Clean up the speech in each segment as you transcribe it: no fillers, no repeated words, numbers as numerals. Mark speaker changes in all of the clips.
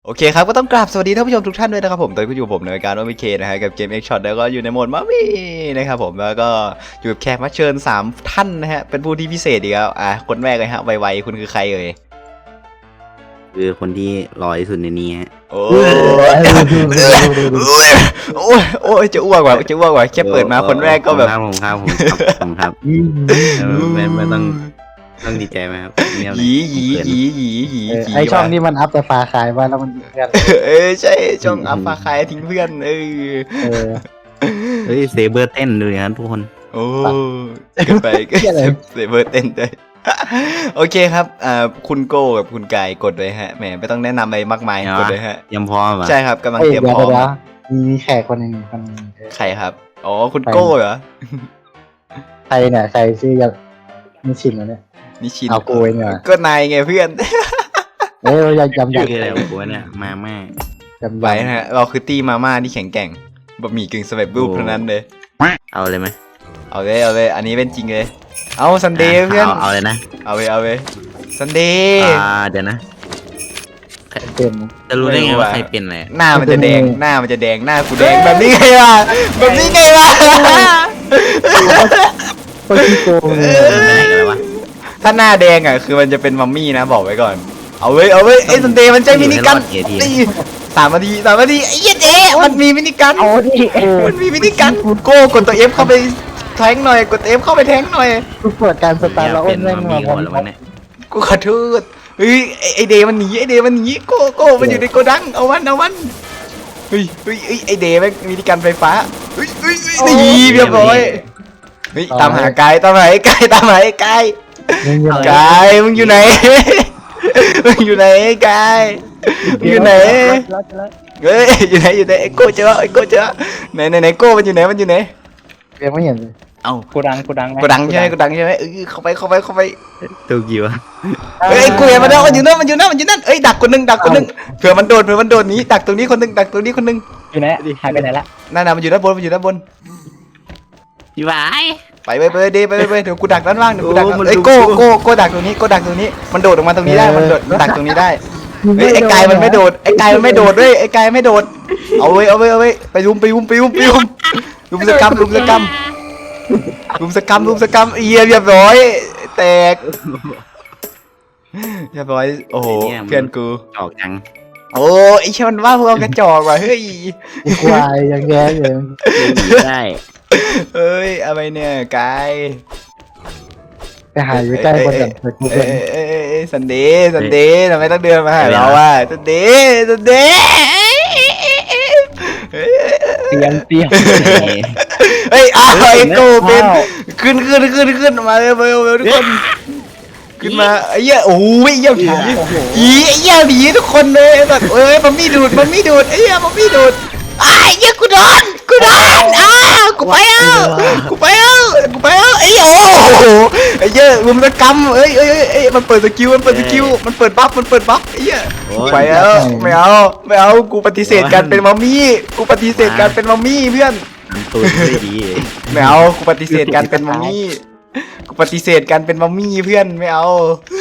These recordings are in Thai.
Speaker 1: โอเคครับก็ต้องกราบสวัสดีท่านผู้ชมทุกท่านด้วยนะครับผมตอนนี้อยู่ผมในรายการโอมิเคนะฮะกับเกม X Shot แล้วก็อยู่ในโหมดมามี่นะครับผมแล้วก็อยู่กับแขกรับเชิญ3ท่านนะฮะเป็นผู้ที่พิเศษอีกแล้วคนแรกเลยฮะไวๆคุณคือใครเอ่ย
Speaker 2: คือคนที่รอที่สุดในนี้ฮะ
Speaker 1: โอ้ยจะอ้วกว่ะแค่เปิดมาคนแรกก็แบบ
Speaker 2: ผมครับไม่ต้องดีใจไหมครับ
Speaker 1: หยี
Speaker 3: ไอช่องนี้มันอัพแต่ปลาขายมาแล้วมันยิงกัน
Speaker 1: ใช่ช่องอัพปลาคายทิ้งเพื่อน
Speaker 3: เฮ้
Speaker 2: ยเซเบอร์เต้นดูนะทุกคน
Speaker 1: โอ้เกินไปก็เซเบอร์เต้นด้วยโอเคครับคุณโก้กับคุณกายกดเลยฮะแหมไม่ต้องแนะนำอะไรมากมายกดเลยฮะ
Speaker 2: ยังพร้อม
Speaker 1: ใช่ครับกำลังเตรียมพร้อม
Speaker 3: มีแขกคนหนึ่ง
Speaker 1: ใครครับอ๋อคุณโก้เหรอ
Speaker 3: ใครเนี่ยใครชื่อนิชินเหรอเนี่ย
Speaker 1: นิชิน
Speaker 3: เอาโก้เนี่ย
Speaker 1: ก็นายไงเพื่อน
Speaker 3: ยำ
Speaker 2: อะไรกูเนี่ยมาม่า
Speaker 1: ไปฮะเราคือตี้มาม่าที่แข็งแกร่งบะหมี่กึ่งสำเร็จรูปเท่านั้นเลย
Speaker 2: เอาเลยไหม
Speaker 1: เอาเลยอันนี้เป็นจริงเลยเอาซันเดย์เพื่อน
Speaker 2: เอาเลยนะ
Speaker 1: เอาเลยซันเดย์
Speaker 2: เดี๋ยวนะ
Speaker 3: เป็น
Speaker 2: จะรู้ได้ไงว่าใครเป็นอะไร
Speaker 1: หน้ามันจะแดงหน้ากูแดงแบบนี้ไงวะ
Speaker 3: ก็ขี้โกง
Speaker 1: ถ้าหน้าแดงคือมันจะเป็นมัมมี่นะบอกไว้ก่อนเอาไว้ไอ้ซันเดย์มันใช้มินิกัน3 นาทีไอ้เหี้ยเจ๊มันมีมินิกันมันมีมินิกันโก้กดตัว F เข้าไปแทงหน่อยกด F เข้าไปแทงหน่อย
Speaker 3: กูเปิดการสตาร์ทแล้วอ้นแม่งมา
Speaker 1: กูขอโทษเฮ้ยไอเดย์มันหนีโก้มันอยู่ในโกดังเอามันเฮ้ยไอเดย์แม่งมีการไฟฟ้าเฮ้ยนี่เรียบร้อยเฮ้ยตามหาไกด์ไกด์มึงอยู่ไหนอยู่ไหนไกด์อยู่ไหนเฮ้ยอยู่ไหนไอโก้เจอไหนโก้มันอยู่ไหน
Speaker 3: ยังไม่เห็นเลย
Speaker 1: เอ้า
Speaker 3: กูดัง
Speaker 1: ใช่ไหมเข้าไป
Speaker 2: ตัวกี่วะ
Speaker 1: เฮ้ยกูเห็นมันแล้วมันอยู่นั่นเอ้ยดักคนนึงเผื่อมันโดดหนีดักตรงนี้คนนึง
Speaker 3: อยู่ไหนหายไปไหนละ
Speaker 1: นั่นมันอยู่ด้านบน
Speaker 2: พี่บาย
Speaker 1: ไปเดี๋ยวกูดักด้านล่างเอ้ยโก้ดักตรงนี้มันโดดออกมาตรงนี้ได้มันดักตรงนี้ได้เฮ้ยไอ้กายมันไม่โดดด้วยไอ้กายไม่โดดเอาไว้ไปรุมสกรรมเรียบร้อยแตกเรียบร้อยโอ้โหเพื่อนกู
Speaker 2: ออกจัง
Speaker 1: โอ้ไอเชี่ยมันว่าพวกเรากระจอกว่ะเฮ้ย
Speaker 3: ควายยังแย่อยู่
Speaker 2: ได้
Speaker 1: เฮ้ยอะไรเนี่ยกาย
Speaker 3: ไปหาอยู่ใกล้คนแบบ
Speaker 1: ซันเดย์ทำไมต้องเดินมาหาเราอ่ะซันเดย์เฮ้ยไอ้โก้เป็นขึ้นมาเร็วทุกคนขึ้นมาไอ้เหี้ยโอ้ยเหี้ยผีไอ้เหี้ยผีทุกคนเลยแบบมันมีดูดไอ้เหี้ยมันมีดูดไอ้เหี้ยกูโดนกูไปเอาไอ้เหี้ยโอ้โหไอ้เหี้ยรุมตะกำเอ้ยมันเปิดสกิลมันเปิดบัฟไอ้เหี้ยไปแล้วไม่เอากูปฏิเสธการเป็นมัมมี่เพื่อนไม่เอากูปฏิเสธการเป็นมัมมี่เพื่อนไม่เอา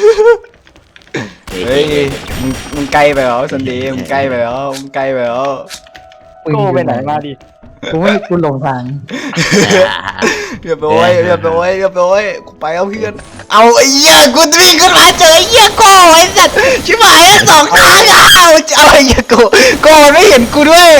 Speaker 1: เฮ้ยมึงไกลไปเหรอซันเดย์มึงไกลไปเหรอ
Speaker 3: โก้ไปไหนมาดิกูหลงทาง
Speaker 1: เรียบร้อยกูไปเอาเพื่อนเอาไอ้เหี้ยกูวิ่งขึ้นมาเจอไอ้เหี้ยโก้ไอ้สัตว์ชิบหาย2 ทางเอาไอ้เหี้ยโก้ไม่เห็นกูด้วย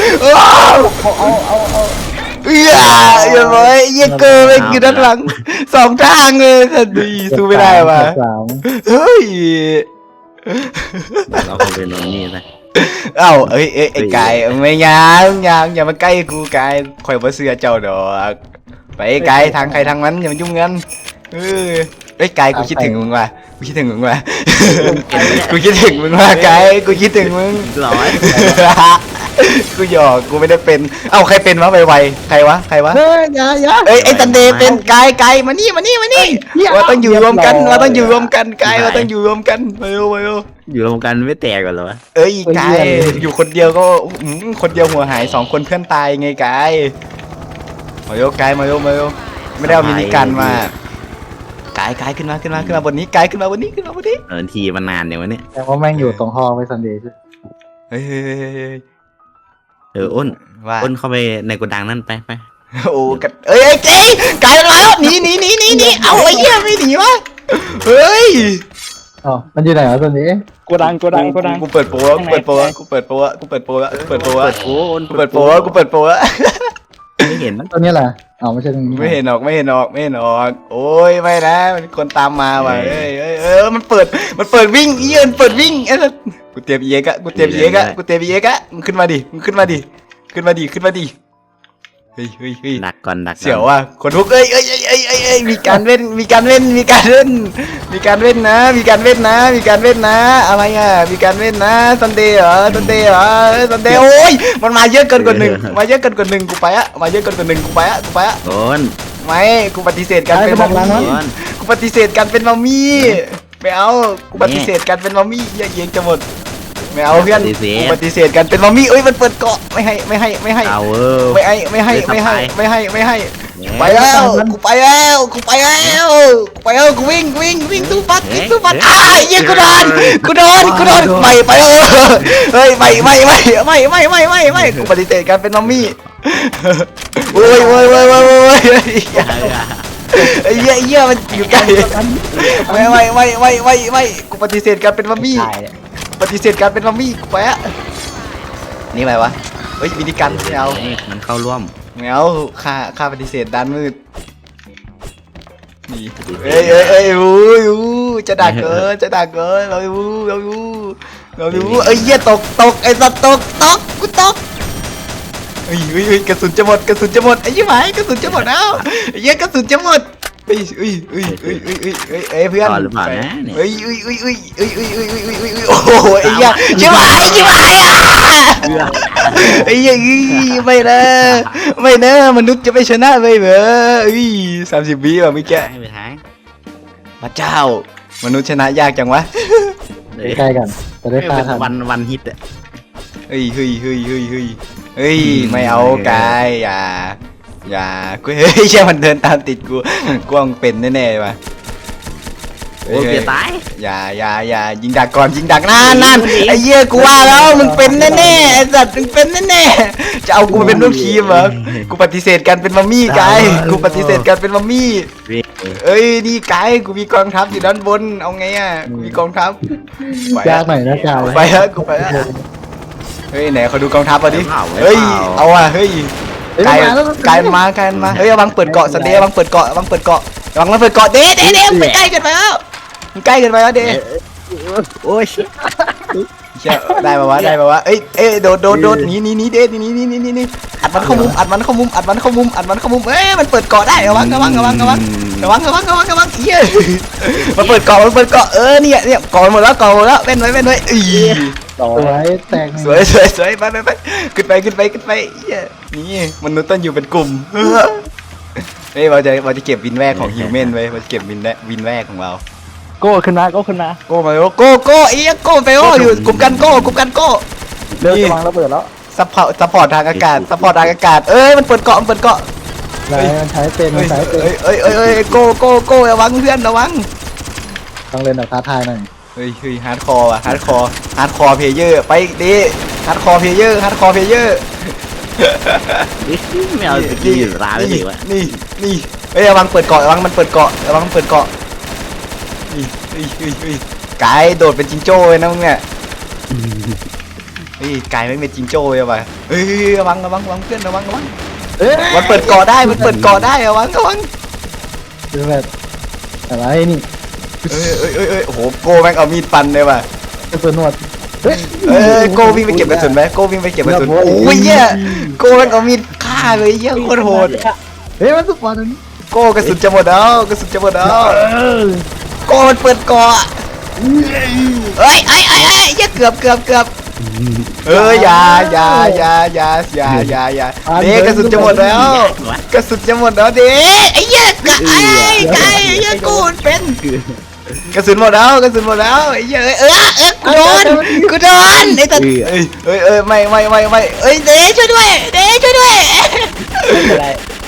Speaker 1: เรียบร้อยเหี้ยเกินไปอยู่ด้านหลัง2 ทางเลยสัตว์ดีสู้ไม่ได้ว่ะเฮ้ย
Speaker 2: เราคงเป็นน้องนี่นะ
Speaker 1: เอ้าไอ้กายไม่ยังอย่ามาใกล้กูกายคอยบ่เสือเจ้าดอกไปกายทางใครทางมันอย่ามายุ่งกันไอ้กายกูคิดถึงมึงว่ะกูคิดถึงมึงว่ะกายกูคิดถึงมึง
Speaker 2: ร้อย
Speaker 1: กูหยอกกูไม่ได้เป็นเอ้าใครเป็นวะไวๆใครวะ
Speaker 3: อย่า
Speaker 1: ไอ้ซันเดย์เป็นกายมานี่ว่าต้องอยู่รวมกันกายว่าต้องอยู่รวมกันมา
Speaker 2: อยู่รวมกันไม่แตกกันเหรอ
Speaker 1: เอ้ยกายอยู่คนเดียวก็คนเดียวหัวหาย2 คนเพื่อนตายไงกายมาโยไม่ได้เอามินิกันมากายขึ้นมาบนนี้กายขึ้นมาบนนี้
Speaker 2: ทีมันนานอย่างวันนี้
Speaker 3: แต่ว่าแม่งอยู่ตรงห้องไว้ซันเดย์
Speaker 1: เฮ้ยเฮ้ยเฮ้ยเฮ้ย
Speaker 2: อ้น
Speaker 1: ว่า
Speaker 2: อ้นเข้าไปในโกดังนั่นไป
Speaker 1: โอ้กันเอ้ยเจ๊กลายเป็นมาแล้วหนีเอาไอ้เหี้ยไม่หนีวะเฮ้ย
Speaker 3: อ๋อมันอยู่ไหนวะตัวนี้
Speaker 4: โกดัง
Speaker 1: กูเปิดโปรแล้วกูเปิดโปรแล้วกูเปิดโปรแล้วกูเปิดโปรแล้วกูเปิดโปรแล้ว
Speaker 2: โอ้อ้น
Speaker 1: กูเปิดโปรแล้วกูเปิดโปรแล้ว
Speaker 2: ไม่เห็น
Speaker 3: ตัวนี้แหละอ๋อไม่ใช่ตรงนี้
Speaker 1: ไม่เห็นออกโอ้ยไม่นะมันคนตามมาว่ะเอ้ยมันเปิดวิ่งอีมันเปิดวิ่งไอ้สัสกูเตรียมเอ็กอะกูเตรียมเอ็กอะมึงขึ้นมาดิเฮ้ย
Speaker 2: ดักก่อน
Speaker 1: เสียวว่ะคนทุกเอ้ยมีการเว้นนะอะไรอ่ะมีการเว้นนะซันเดย์เหรอซันเดย์โอ้ยมันมาเยอะเกินกว่าหนึ่งกูไปอะ
Speaker 2: อ้น
Speaker 1: ไม่กูปฏิเสธการเป็นมัมมี่
Speaker 2: อ้น
Speaker 1: กูปฏิเสธการเป็นมัมมี่ไม่เอากูปฏิเสธการเป็นมัมมี่เย็นจะหมดไม่เอาเพื่อนกูปฏิเสธการเป็นมัมมี่เอ้ยมันเปิดเกาะไม่ให้
Speaker 2: เอา
Speaker 1: ไม่ให้ไปแล้วกูไปแล้วกูวิ่งสู้ฟัดอ้ายยิงกูโดนไม่ไปเฮ้ยไม่กูปฏิเสธการเป็นมัมมี่โอ้ยไอ้เหี้ยมันอยู่ไกลไม่กูปฏิเสธการเป็นมัมมี่กูไปอะนี่อะไรวะเฮ้ยวิธีการไม่เอา
Speaker 2: มันเข้าร่วม
Speaker 1: ไม่เอาค่าปฏิเสธด้านมืดนี่เอ้ยจะดักเกินเราอยู่เอ้ยเหี้ยตกไอ้สัตว์ตกกูตกเฮ้ยกระสุนจะหมดไอ้ยี่หมายกระสุนจะหมดแล้วไอ้เหี้ยกระสุนจะหมดเฮ้ยเพื่อนเฮ้ยโอ้โหไอ้เหี้ยยี่หมายอ่ะไอ้เหี้ยไม่นะมนุษย์จะไม่ชนะเลยเหรอ30 วิแบบเมื่อกี้
Speaker 2: ไปท้าย
Speaker 1: พระเจ้ามนุษย์ชนะยากจังวะ
Speaker 3: ใกล้กันจะได้ฆ่าทัน
Speaker 2: วันฮิตอ่ะ
Speaker 1: เฮ้ยไม่เอากายอย่ากูเฮ้ยใช่มันเดินตามติดกูกวางเป็นแน่ๆว่ะ
Speaker 2: โอ้เปียตาย
Speaker 1: อย่ายิงดักก่อนนั่นไอ้เหี้ยกูว่าแล้วมึงเป็นแน่ๆไอ้สัตว์มึงเป็นแน่ๆจะเอากูมาเป็นลูกทีมเหรอกูปฏิเสธการเป็นมัมมี่กายกูปฏิเสธการเป็นมัมมี่เอ้ยนี่กายกูมีกองทัพอยู่ด้านบนเอาไงอ่ะกูมีกองทัพ
Speaker 3: ยากหน่อยนะจ่า
Speaker 1: ไปแล้วกูไปแล้วเฮ้ยไหนเขาดูกองทัพมาดิเฮ้ยเอาอ่ะเฮ้ยกายมาเฮ้ยระวังเปิดเกาะสันเดย์ระวังเปิดเกาะระวังมันเปิดเกาะเด้ไปใกล้เกินไปแล้วเด้
Speaker 2: โอ้ย
Speaker 1: เชี่ยได้ป่าวะเอ้ยโดดหนีเด้นี่อัดมันเข้ามุมเอ้ยมันเปิดเกาะได้ระวังเหี้ยมันเปิดเกาะเนี่ยเกาะหมดแล้วเว้นไว้อี
Speaker 3: สวยแตก
Speaker 1: สวยไปขึ้นไปเหี้ยนี่มนุษย์ต้องอยู่เป็นกลุ่มเฮ้ยเราจะเก็บวินแวกของฮิวแมนไว้เราจะเก็บวินแวกของเรา
Speaker 4: โก้ขึ้นมา
Speaker 1: โก้มาโก้ไอ้เหี้ยโก้ไปอยู่กลุ่มกันโก้
Speaker 4: เร็วจะวางระเบิดแล้ว
Speaker 1: ซัพพอร์ตทางอากาศเอ้ยมันเปิดเกาะ
Speaker 3: ไหนมันใช้เป็นเ
Speaker 1: อ้ยโก้ระวังเพื่อนระวัง
Speaker 3: ต้องเล่นแบบท้าทายหน่อย
Speaker 1: เฮ้ยฮาร์ดคอร์เพลเยอร์ไปดิฮาร์ดคอร์เพลเยอร์
Speaker 2: ไม่เอาสกีอยู่ร้านเลยว่ะ
Speaker 1: นี่เฮ้ยระวังเปิดเกาะมันเปิดเกาะนี่กายโดดเป็นจิงโจ้เลยนะมึงเนี่ยกายไม่เป็นจิงโจ้เลยว่ะเฮ้ยระวังเพื่อนระวังมันเปิดเกาะได้ระวัง
Speaker 3: คือแบบอะไรนี่
Speaker 1: เอ้ยโอ้โหโก้แม่งเอามีดฟันเลยว่ะ
Speaker 3: กระสุนหนวด
Speaker 1: โก้วิ่งไปเก็บกระสุนไหมโอ้ยเหี้ยโก้แม่งเอามีดฆ่าเลยเหี้ยโคตรโหด
Speaker 3: เฮ้ยมันสุดปอดตรงนี้
Speaker 1: โก้กระสุนจะหมดแล้วโก้มันเปิดเกาะเฮ้ยเหี้ยเกือบอย่าเด็กกระสุนจะหมดแล้วเด็กไอ้เหี้ยไอ้เหี้ยกูเป็นกระสุนหมดแล้วไอ้เหี้ยกูโดนไอ้ตัดไม่เอ้ยเด็กช่วยด้วย
Speaker 4: ไม่เป็นไร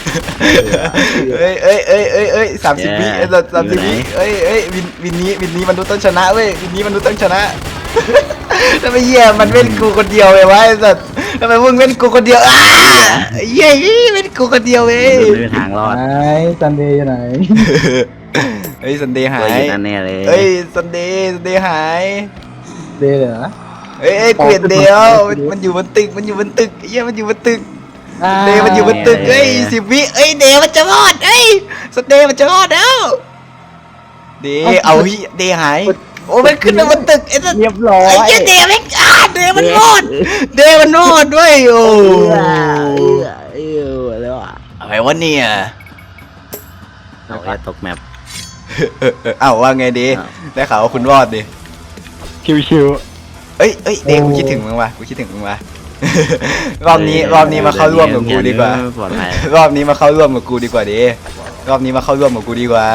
Speaker 1: เอ้ย30 วิ30 วิเอ้ยวินนี้มันดูต้องชนะเว้ยวินนี้มันดูต้องชนะทำไมเหี้ยมันเป็นกูคนเดียวเลยวะไอ้สัสทำไมมึงเป็นกูคนเดียวเหี้ยเป็นกูคนเดียวเว้ย
Speaker 2: มันไม่มีทางรอด
Speaker 4: ไหนซันเดย์อยู่ไหน
Speaker 1: เฮ้ยซันเดย์หา
Speaker 2: ตัวย อยู่นั่นแน่เลย
Speaker 1: เฮ้ยซันเดย์หาย
Speaker 4: เดย์เหรอ
Speaker 1: เฮ้ยกูเห็นเดียวมันอยู่บนตึกมันอยู่บนตึกเหี้ยมันอยู่บนตึกเดย์มันอยู่บนตึกเฮ้ย10 วิเอ้ยเดย์มันจะรอดเอ้ยซันเดย์มันจะรอดแล้วเดย์เอาพี่เดย์หายโอ้มันขึ้นมาบนตึกไอ้สัส
Speaker 4: เรียบร้อย
Speaker 1: ไอ้เหี้ยเดย์แม่งเดย์มันรอดเดย์มันรอดด้วยโอ้
Speaker 2: แล้วอ่ะ
Speaker 1: อะไรวะเนี่ย
Speaker 2: เราจะตกแมป
Speaker 1: เอ้าว่าไงดีได้ข่าวว่าคุณรอดดิ
Speaker 4: ชิว
Speaker 1: เอ้ยเดย์กูคิดถึงมึงว่ะกูคิดถึงมึงว่ะ รอบนี้มาเข้าร่วมกับกูดีกว่า
Speaker 2: ปลอดภัย
Speaker 1: รอบนี้มาเข้าร่วมกับกูดีกว่าดิรอบนี้มาเข้าร่วมกับกูดีกว่า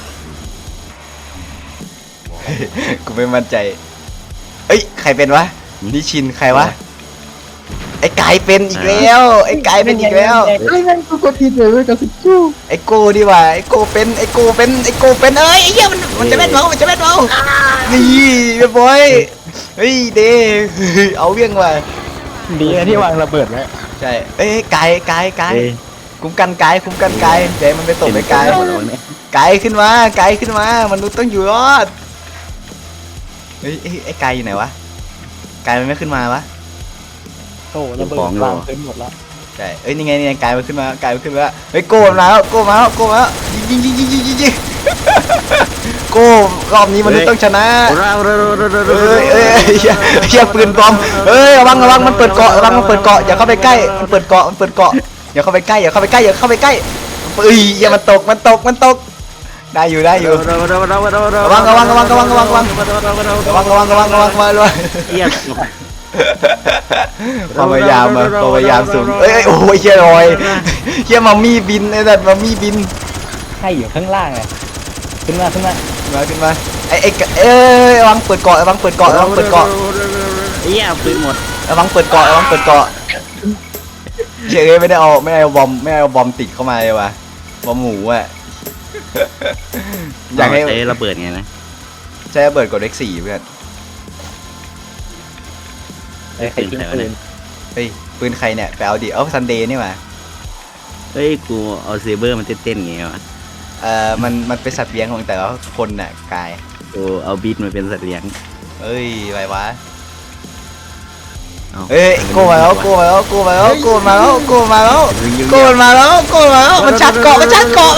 Speaker 1: กูไม่มั่นใจเอ้ยใครเป็นวะนิชินใครวะไอ้กายเป็นอีกแล้วไอ้กายเป็นอีกแล้ว
Speaker 4: ๆเฮ้ยนั่นกูกดผิดเลยกับสิบชู้
Speaker 1: ไอ้โก้ดีกว่าไอ้โก้เป็นไอ้โก้เป็นไอ้โก้เป็นเอ้ยไอ้เหี้ยมันจะแม่นเมามันจะแม่นเมานี่เรียบร้อยเฮ้ยเดเอาเรื่องว่ะ
Speaker 4: ดีนะที่วางระเบิดไว้
Speaker 1: ใช่เอ้ยกายคุ้มกันกายใจมันไปตกไปกายกายขึ้นมามนุษย์ต้องอยู่รอดเฮ้ยไอ้กายอยู่ไหนวะกายมันไม่ขึ้นมาวะ
Speaker 4: โอ้ระเบิดวางเต็มหมดแล้ว
Speaker 1: ใช่เอ้ยนี่ไงกายมันขึ้นมาเฮ้ยโก้มาแล้วยิงโก้รอบนี้มนุษย์ต้องชนะเอ้ยเฮียปืนบอมเอ้ยระวังมันเปิดเกาะอย่าเข้าไปใกล้มันเปิดเกาะอย่าเข้าไปใกล้เอ้ยอย่ามันตกได้อยู่ระวัง
Speaker 2: เยี่ยม
Speaker 1: ความพยายามสูงเอ้ยโอ้ยเฮียลอยเฮียมัมมี่บินไอ้สัตว์มัมมี่บิน
Speaker 4: ให้อยู่ข้างล่างไงขึ้นมา
Speaker 1: ขึ้นมาไอ้ระวังเปิดเกาะ
Speaker 2: เยี่ยมปืนหมด
Speaker 1: ระวังเปิดเกาะเฉยไม่ได้เอาบอมติดเข้ามาเลยว่ะบอมหมูอ่ะอยากให้
Speaker 2: ใช้ระเบิดไงนะ
Speaker 1: ใช้ระเบิดกดเลข4เพื่อน
Speaker 4: ใครทิ้งปืน
Speaker 1: เฮ้ยปืนใครเนี่ยไปเอาดิซันเดย์นี่มา
Speaker 2: เฮ้ยกูเอาเซเบอร์มันเต้นๆไงวะ
Speaker 1: มันเป็นสัตว์เลี้ยงของแต่ละคนน่ะกาย
Speaker 2: กูเอาบีทมาเป็นสัตว์เลี้ยง
Speaker 1: เอ้ยไรวะ
Speaker 2: เอา
Speaker 1: เอ้ยโกมาแล้วมันชาร์จเกาะเอ้ยมันชาร์จเกาะ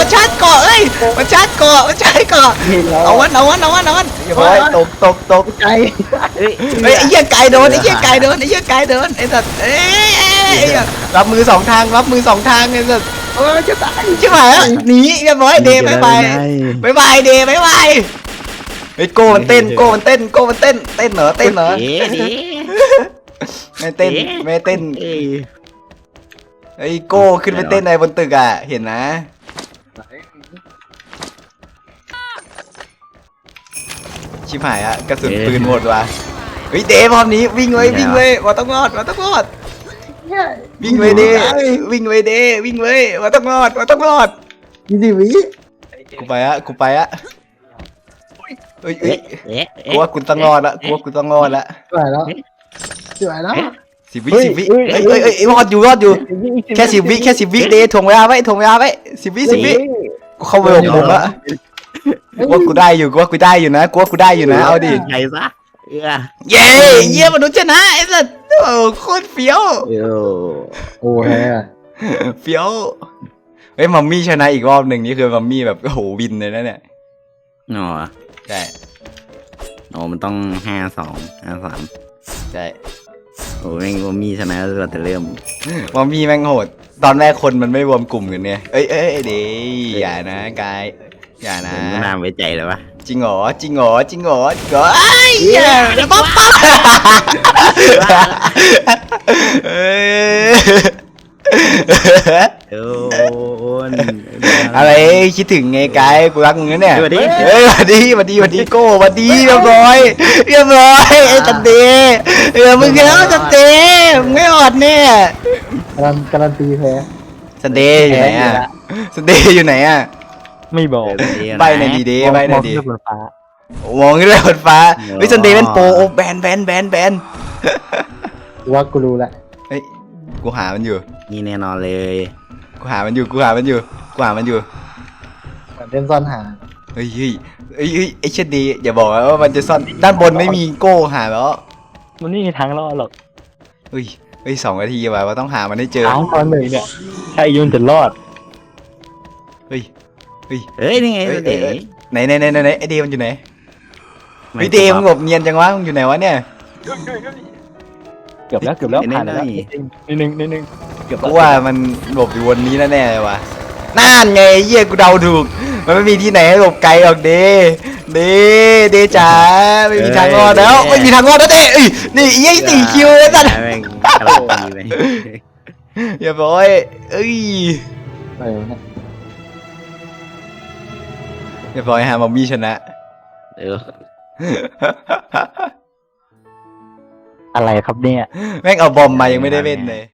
Speaker 1: เอาวันอย่าไปตก
Speaker 4: ใจ
Speaker 2: เฮ้ย
Speaker 1: เฮ้ยไอ้เหี้ยไก่โดนไอ้สัตว์เอ้ยรับมือสองทางไอ้สัตว์จะตายใช่ไหมหนีเรียบร้อยเดย์บ๊ายบายเดย์บ๊ายบายเฮ้ยโกมันเต้นเหรอเต้นเหรอ
Speaker 2: เอ๊ะดิ
Speaker 1: ไม่เต้น
Speaker 2: เอ้ย
Speaker 1: ไอ้โก้ขึ้นไปเต้นในบนตึกอ่ะเห็นนะชิบหายอะกระสุนปืนหมดว่ะเฮ้ยเดย์พร้อมนี้วิ่งเลยว่าต้องรอดวิ่งเลยเดย์ว่าต้องรอด
Speaker 4: 20 วิ
Speaker 1: กูไปอะเฮ้ย
Speaker 2: เอ๊ะเอ๊ะ
Speaker 1: กูว่ากูต้องรอดละ
Speaker 4: สวยแล้ว
Speaker 1: 10 วิเอ้ยรอดอยู่แค่10 วิเดย์ถ่วงเวลาไว้10 วิกูเข้าไป6 โมงละกูว่ากูได้อยู่นะเอาดิ
Speaker 2: ใครซะเอ้ย
Speaker 1: เย้เยี่ยมมนุษย์ชนะไอ้สัสโอ้โคตรเฟี้ยว
Speaker 4: โอ้แฮ
Speaker 1: เฟี้ยวเฮ้ยมัมมี่ชนะอีกรอบหนึ่งนี่คือมัมมี่แบบโอ้โหวินเลยนะเนี่ย
Speaker 2: อ๋อ
Speaker 1: ใช่
Speaker 2: อ๋อมันต้อง52 53
Speaker 1: ใช่
Speaker 2: โอ้แม่งว่ามีชนะเราแต่เริ่ม
Speaker 1: มัมมี่แม่งโหดตอนแรกคนมันไม่รวมกลุ่มกันเนี่ยเอ้ยเดย์อย่านะกายอย่านะ
Speaker 2: ผมก็น่าไว้ใจเลยวะ
Speaker 1: จริงเหรอไอ้เหี้ยป๊อปเอ้ย
Speaker 2: โอ้น
Speaker 1: อะไรคิดถึงไงกายกูรักมึงนะเนี่ย
Speaker 2: สวัสดี
Speaker 1: เฮ้ยสวัสดีโก้สวัสดีเรียบร้อยไอ้ตันเดมึงแล้วตันเดมึงไม่อดเนี่ย
Speaker 4: การันตีแพ้
Speaker 1: สันเดย์อยู่ไหนอ่ะ
Speaker 4: ไม่บอก
Speaker 1: ใบในดีเดย์ใบในดี
Speaker 4: มองขึ้นบนฟ้า
Speaker 1: มองขึ้นไปบนฟ้าเฮ้ยซันเดย์เป็นโปรโอ้แบน
Speaker 4: กูว่ากูรู้แหละ
Speaker 1: เฮ้ยกูหามันอยู่
Speaker 2: นี่แน่นอนเลย
Speaker 1: กูหามันอยู่
Speaker 4: เหมือนเล่นซ่อนหา
Speaker 1: เฮ้ยไอ้เชดดีอย่าบอกนะว่ามันจะซ่อนด้านบนไม่มีโก้หาแล้ว
Speaker 3: มันไม่มีทางรอดหรอก
Speaker 1: เฮ้ย2 นาทีว่ะว่าต้องหามันให้เจอ
Speaker 3: ทางตอนหนึ่งเนี่ยใช่ยุ่นจะรอด
Speaker 1: เฮ้ย
Speaker 2: เฮ้ยนี่ไง
Speaker 1: เอ้ย
Speaker 2: เด๋
Speaker 1: ไหนไอเดย์มันอยู่ไหนไอเดย์มันหลบเนียนจังวะมึงอยู่ไหนวะเนี่ย
Speaker 3: เกือบแล้วผ่านแล้วนิดนึงเกือบ
Speaker 1: กูว่ามันหลบอยู่บนนี้แน่ๆเลยวะนั่นไงเหี้ยกูเดาถูกมันไม่มีที่ไหนให้หลบไกลหรอกเดจ๋าไม่มีทางรอดแล้วไม่มีทางรอดแล้วเดเอ้ยนี่ไอ้4 คิวไอ้สัส
Speaker 2: แม่งกำลังดีไป
Speaker 1: อย่าบอกไอ้เอ้ย
Speaker 4: อะไรวะเนี่ย
Speaker 1: อย่าบอกไอ้ฮามามี่ชนะ
Speaker 2: เออ
Speaker 3: อะไรครับเนี่ย
Speaker 1: แม่งเอาบอมมายังไม่ได้เล่นเลย